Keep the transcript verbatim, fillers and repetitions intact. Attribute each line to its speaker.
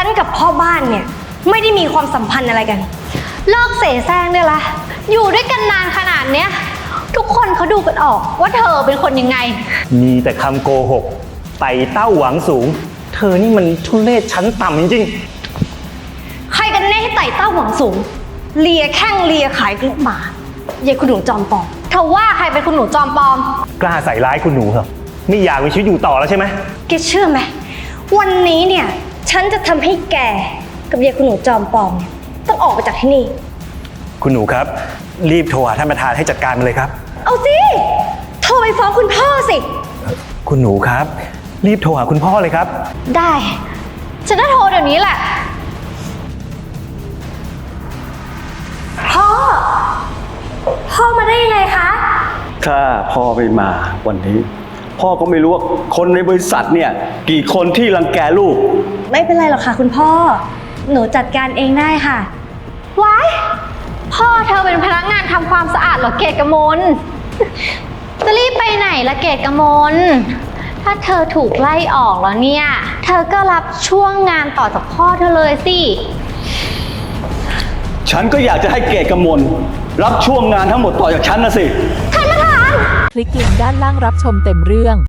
Speaker 1: ฉันกับพ่อบ้านเนี่ยไม่ได้มีความสัมพันธ์อะไรกัน
Speaker 2: เลิกเสแสร้งได้ละอยู่ด้วยกันนานขนาดเนี้ยทุกคนเขาดูกันออกว่าเธอเป็นคนยังไง
Speaker 3: มีแต่คำโกหกไต่เต้าหวังสูงเธอนี่มันทุเรศชั้นต่ำจริง
Speaker 1: ใครกันแน่ที่ไต่เต้าหวังสูงเลียแข้งเลียขายลูกหมาเย่คุณหนูจอมปลอม
Speaker 2: เธอว่าใครเป็นคุณหนูจอมปลอม
Speaker 3: กล้าใส่ร้ายคุณหนูเหรอไม่อยากมีชีวิตอยู่ต่อแล้วใช่ไหม
Speaker 1: แกเชื่อไหมวันนี้เนี่ยฉันจะทำให้แกกับเย่คุณหนูจอมปลอมเนี่ยต้องออกไปจากที่นี่
Speaker 3: คุณหนูครับรีบโทรหาท่านประธานให้จัดการมันเลยครับ
Speaker 1: เอาสิโทรไปฟ้องคุณพ่อสิ
Speaker 3: คุณหนูครับรีบโทรหาคุณพ่อเลยครับ
Speaker 2: ได้ฉันจะโทรเดี๋ยวนี้แหละ
Speaker 1: พ่อพ่อมาได้ยังไงคะ
Speaker 4: ถ้าพ่อไม่มาวันนี้พ่อก็ไม่รู้ว่าคนในบริษัทเนี่ยกี่คนที่รังแกลูก
Speaker 1: ไม่เป็นไรหรอกค่ะคุณพ่อหนูจัดการเองได้ค่ะ
Speaker 2: ว้ายพ่อเธอเป็นพนักงานทำความสะอาดเหรอเกตกมลจะรีบไปไหนละเกตกมลถ้าเธอถูกไล่ออกแล้วเนี่ยเธอก็รับช่วงงานต่อจากพ่อเธอเลยสิ
Speaker 4: ฉันก็อยากจะให้เกตกมลรับช่วงงานทั้งหมดต่อจากฉันนะสิ
Speaker 2: ท่านประธาน
Speaker 5: คลิกลิงก์ด้านล่างรับชมเต็มเรื่อง